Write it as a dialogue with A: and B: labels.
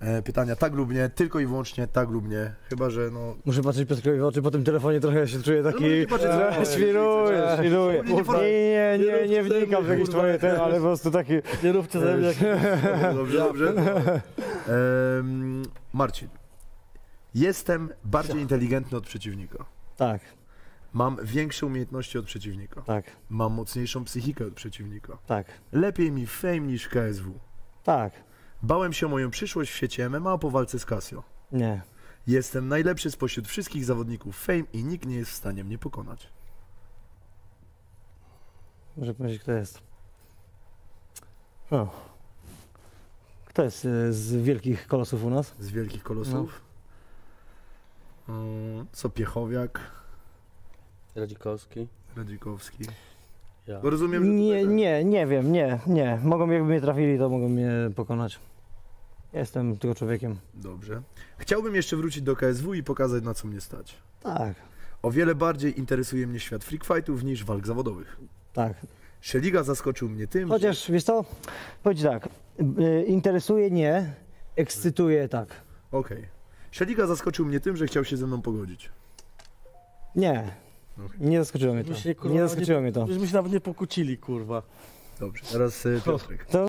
A: pytania tak lub nie, tylko i wyłącznie tak lub nie. Chyba, że no...
B: Muszę patrzeć Piotrowi w oczy, po tym telefonie trochę się czuję taki...
A: nie patrzeć w oczy.
B: Świruję. Nie wnikam w jakieś twoje ten, ale po prostu taki...
C: Nie róbcie ze mnie.
A: Dobrze. Marcin. Jestem bardziej inteligentny od przeciwnika.
B: Tak,
A: Mam większe umiejętności od przeciwnika.
B: tak,
A: Mam mocniejszą psychikę od przeciwnika.
B: tak,
A: Lepiej mi w Fame niż w KSW.
B: tak.
A: Bałem się o moją przyszłość w świecie MMA po walce z Casio.
B: Nie.
A: Jestem najlepszy spośród wszystkich zawodników Fame i nikt nie jest w stanie mnie pokonać.
B: Muszę powiedzieć, kto jest. O. Kto jest z wielkich kolosów u nas?
A: Z wielkich kolosów. Co Piechowiak,
C: Radzikowski.
A: Radzikowski.
C: Ja.
A: Bo rozumiem, że
B: Nie wiem, nie. Mogą, jakby mnie trafili, to mogą mnie pokonać. Jestem tylko człowiekiem.
A: Dobrze. Chciałbym jeszcze wrócić do KSW i pokazać, na co mnie stać.
B: Tak,
A: O wiele bardziej interesuje mnie świat freak fightów niż walk zawodowych.
B: tak.
A: Szeliga zaskoczył mnie tym, że...
B: Chociaż, wiesz co, powiedz tak, interesuje nie, ekscytuje tak.
A: Okej. Szeliga zaskoczył mnie tym, że chciał się ze mną pogodzić.
B: Nie, nie zaskoczyło mnie to.
C: Myśmy się, kurwa,
B: Nie zaskoczyło mnie to.
C: Myśmy się nawet nie pokłócili, kurwa.
A: Dobrze. Teraz Piotrek.